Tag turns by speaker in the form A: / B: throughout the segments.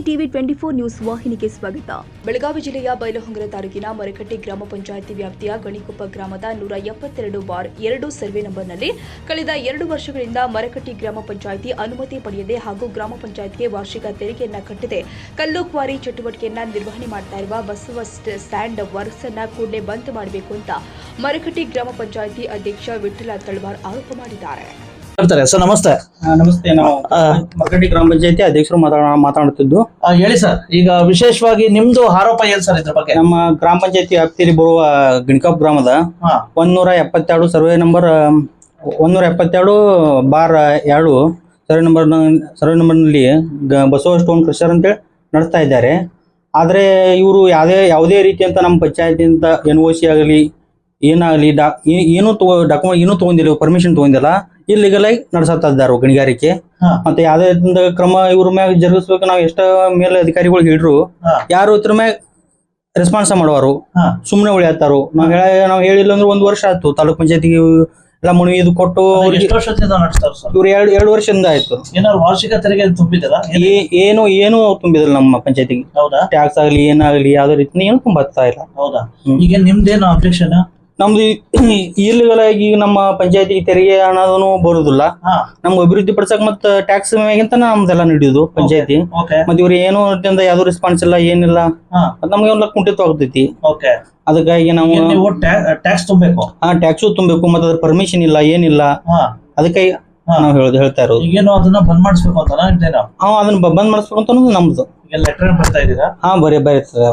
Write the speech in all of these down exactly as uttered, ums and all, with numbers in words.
A: TV twenty four news ವಾಹಿನಿಗೆ ಸ್ವಾಗತ. ಬೆಳಗಾವಿ ಜಿಲ್ಲೆಯ ಬೈಲಹೊಂಗಲ ತಾಲೂಕಿನ ಮರಕಟ್ಟಿ ಗ್ರಾಮ ಪಂಚಾಯಿತಿ ವ್ಯಾಪ್ತಿಯ ಗಣಿಕೊಪ್ಪ ಗ್ರಾಮದ ನೂರ ಎಪ್ಪತ್ತೆರಡು ಬಾರ್ ಎರಡು ಸರ್ವೆ ನಂಬರ್ನಲ್ಲಿ ಕಳೆದ ಎರಡು ವರ್ಷಗಳಿಂದ ಮರಕಟ್ಟಿ ಗ್ರಾಮ ಪಂಚಾಯಿತಿ ಅನುಮತಿ ಪಡೆಯದೆ ಹಾಗೂ ಗ್ರಾಮ ಪಂಚಾಯಿತಿಗೆ ವಾರ್ಷಿಕ ತೆರಿಗೆಯನ್ನ ಕಟ್ಟದೆ ಕಲ್ಲು ಕ್ವಾರಿ ಚಟುವಟಿಕೆಯನ್ನ ನಿರ್ವಹಣೆ ಮಾಡ್ತಾ ಇರುವ ಬಸವ ಸ್ಟ್ಯಾಂಡ್ ವರ್ಕ್ಸ್ ಅನ್ನ ಕೂಡಲೇ ಬಂದ್ ಮಾಡಬೇಕು ಅಂತ ಮರಕಟ್ಟಿ ಗ್ರಾಮ ಪಂಚಾಯಿತಿ ಅಧ್ಯಕ್ಷ ವಿಠ್ಠಲ ತಳವಾರ್ ಆರೋಪ ಮಾಡಿದ್ದಾರೆ.
B: ಸರ್ ನಮಸ್ತೆ.
C: ನಮಸ್ತೆ. ನಾವು ಮರಕಟ್ಟಿ ಗ್ರಾಮ ಪಂಚಾಯತಿ ಅಧ್ಯಕ್ಷರು ಮಾತಾಡುತ್ತಿದ್ದು.
B: ಹೇಳಿ ಸರ್, ಈಗ ವಿಶೇಷವಾಗಿ ನಿಮ್ದು ಆರೋಪ ಏನ್ ಸರ್ ಇದ್ರ ಬಗ್ಗೆ?
C: ನಮ್ಮ ಗ್ರಾಮ ಪಂಚಾಯತಿ ವ್ಯಾಪ್ತಿಯಲ್ಲಿ ಬರುವ ಗಣಿಕೊಪ್ಪ ಗ್ರಾಮದ ಒಂದೂರ ಎಪ್ಪತ್ತೆರಡು ಸರ್ವೆ ನಂಬರ್ ಒಂದೂರ ಎಪ್ಪತ್ತೆರಡು ಬಾರ್ ಎರಡು ಸರ್ವೆ ನಂಬರ್ ಸರ್ವೆ ನಂಬರ್ನಲ್ಲಿ ಬಸವ ಸ್ಟೋನ್ ಕ್ರಷರ್ ಅಂತೇಳಿ ನಡೆಸ್ತಾ ಇದ್ದಾರೆ. ಆದರೆ ಇವರು ಯಾವುದೇ ಯಾವುದೇ ರೀತಿಯಂತ ನಮ್ಮ ಪಂಚಾಯತಿಯಿಂದ ಎನ್ ಒ ಸಿ ಆಗಲಿ ಏನಾಗಲಿ ಡಾ ಏನೂ ತಗೋ ಡಾಕ್ಯುಮೆಂಟ್ ಏನೂ ತೊಗೊಂಡಿಲ್ಲ, ಪರ್ಮಿಷನ್ ತೊಗೊಂಡಿಲ್ಲ, ಇಲ್ಲಿಗಲ್ ಆಗಿ ನಡೆಸತ್ತಾ ಇದ್ದಾರೆ ಗಣಿಗಾರಿಕೆ. ಮತ್ತೆ ಯಾವುದೇ ಕ್ರಮ ಇವ್ರ ಮ್ಯಾಗ ಜರುಗಿಸ್ಬೇಕು. ನಾವು ಎಷ್ಟ ಮೇಲೆ ಅಧಿಕಾರಿಗಳು ಹೇಳಿದ್ರು ಯಾರು ಇದ್ರ ಮ್ಯಾಗ ರೆಸ್ಪಾನ್ಸ್ ಮಾಡೋರು, ಸುಮ್ಮನೆ ಉಳಿಯತ್ತಾರು. ನಾವ್ ಹೇಳ ನಾವ್ ಹೇಳಿಲ್ಲ ಅಂದ್ರೆ ಒಂದ್ ವರ್ಷ ಆಯ್ತು ತಾಲೂಕ್ ಪಂಚಾಯತಿಗೆ ಎಲ್ಲ ಮನವಿ ಇದು ಕೊಟ್ಟು ಇವ್ರು ಎರಡು ಎರಡು ವರ್ಷದಿಂದ ಆಯ್ತು.
B: ಏನಾದ್ರು ವಾರ್ಷಿಕ ತೆರಿಗೆ ತುಂಬಿದಿಲ್ಲ?
C: ಏನು ಏನು ತುಂಬಿದಿಲ್ಲ ನಮ್ಮ ಪಂಚಾಯತಿಗೆ. ಟ್ಯಾಕ್ಸ್ ಆಗ್ಲಿ ಏನಾಗ್ಲಿ ಯಾವ್ದೇ ರೀತಿ ಏನು ತುಂಬತ್ತಾ ಇಲ್ಲ.
B: ಹೌದಾ? ಈಗ ನಿಮ್ದೇನು ಅಬ್ಜೆಕ್ಷನ್?
C: ನಮ್ದು ಇಲ್ಲಿಗಲ್ ಆಗಿ ನಮ್ಮ ಪಂಚಾಯತಿಗೆ ತೆರಿಗೆ ಹಣದೂ ಬರುದಿಲ್ಲ. ನಮ್ಗೆ ಅಭಿವೃದ್ಧಿ ಪಡಿಸಕ್ ಮತ್ತ ಟ್ಯಾಕ್ಸ್ ಮ್ಯಾಗಿಂತ ನಮ್ದೆಲ್ಲ ನಡೆಯುದು ಪಂಚಾಯತಿ. ಮತ್ ಇವ್ರು ಏನು ಯಾವ್ದು ರೆಸ್ಪಾನ್ಸ್ ಇಲ್ಲ, ಏನಿಲ್ಲ, ನಮ್ಗೆ ಒಂದ್ ಕುಂಠಿತ ಆಗ್ತೈತಿ. ಅದಕ್ಕಾಗಿ ನಾವು
B: ಟ್ಯಾಕ್ಸ್ ತುಂಬಬೇಕು.
C: ಹಾ ಟ್ಯಾಕ್ಸು ತುಂಬಬೇಕು, ಮತ್ತೆ ಅದ್ರ ಪರ್ಮಿಷನ್ ಇಲ್ಲ, ಏನಿಲ್ಲ. ಅದಕ್ಕಾಗಿ ನಾವ್ ಹೇಳೋದು ಹೇಳ್ತಾ ಇರೋದು
B: ಈಗೇನು ಅದನ್ನ ಬಂದ್ ಮಾಡಿಸ್ಬೇಕು ಅಂತ
C: ಹಾ ಅದನ್ನ ಬಂದ್ ಮಾಡಿಸ್ಬೇಕು ಅಂತ ಅನ್ನೋದು ನಮ್ದು.
B: ಈಗ ಲೆಟರ್ ಬರ್ತಾ ಇದೀರಾ?
C: ಹಾ ಬರೀ ಬರೀತದ.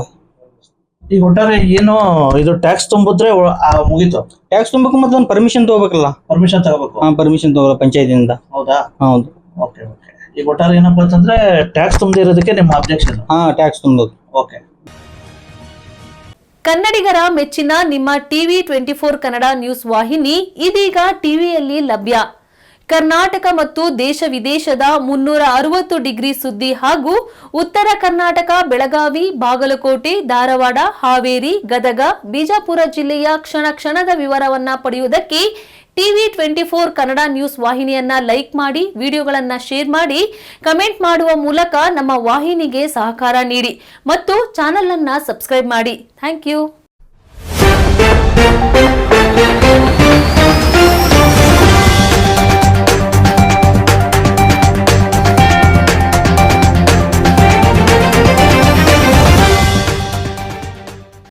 B: ಈಗ ಒಟ್ಟಾರೆ ಏನು ಇದು ಟ್ಯಾಕ್ಸ್ ತುಂಬಿದ್ರೆ ಮುಗೀತು.
C: ಟ್ಯಾಕ್ಸ್ ತುಂಬಬೇಕು ಮತ್ತೆ ಒಂದು ಪರ್ಮಿಷನ್ ತಗೋಬೇಕಲ್ಲ.
B: ಪರ್ಮಿಷನ್ ತಗೋಬೇಕು.
C: ಹಾ ಪರ್ಮಿಷನ್ ತಗೋಲ್ಲ ಪಂಚಾಯತಿಯಿಂದ.
B: ಹೌದಾ?
C: ಹೌದು.
B: Okay okay. ಈಗ ಒಟ್ಟಾರೆ ಏನಪ್ಪಾ ಅಂತಂದ್ರೆ ಟ್ಯಾಕ್ಸ್ ತುಂಬದಿರೋದಕ್ಕೆ ನಿಮ್ಮ ಅಬ್ಜೆಕ್ಷನ್?
C: ಹಾ ಟ್ಯಾಕ್ಸ್ ತುಂಬೋದು.
B: ಓಕೆ.
D: ಕನ್ನಡಿಗರ ಮೆಚ್ಚಿನ ನಿಮ್ಮ TV twenty four Kannada news ವಾಹಿನಿ ಇದೀಗ ಟಿವಿಯಲ್ಲಿ ಲಭ್ಯ. ಕರ್ನಾಟಕ ಮತ್ತು ದೇಶ ವಿದೇಶದ ಮುನ್ನೂರ ಅರವತ್ತು ಡಿಗ್ರಿ ಸುದ್ದಿ ಹಾಗೂ ಉತ್ತರ ಕರ್ನಾಟಕ, ಬೆಳಗಾವಿ, ಬಾಗಲಕೋಟೆ, ಧಾರವಾಡ, ಹಾವೇರಿ, ಗದಗ, ಬಿಜಾಪುರ ಜಿಲ್ಲೆಯ ಕ್ಷಣ ಕ್ಷಣದ ವಿವರವನ್ನ ಪಡೆಯುವುದಕ್ಕೆ TV twenty four Kannada news ವಾಹಿನಿಯನ್ನ ಲೈಕ್ ಮಾಡಿ, ವಿಡಿಯೋಗಳನ್ನ ಶೇರ್ ಮಾಡಿ, ಕಮೆಂಟ್ ಮಾಡುವ ಮೂಲಕ ನಮ್ಮ ವಾಹಿನಿಗೆ ಸಹಕಾರ ನೀಡಿ ಮತ್ತು ಚಾನೆಲ್ ಅನ್ನ ಸಬ್ಸ್ಕ್ರೈಬ್ ಮಾಡಿ. Thank you.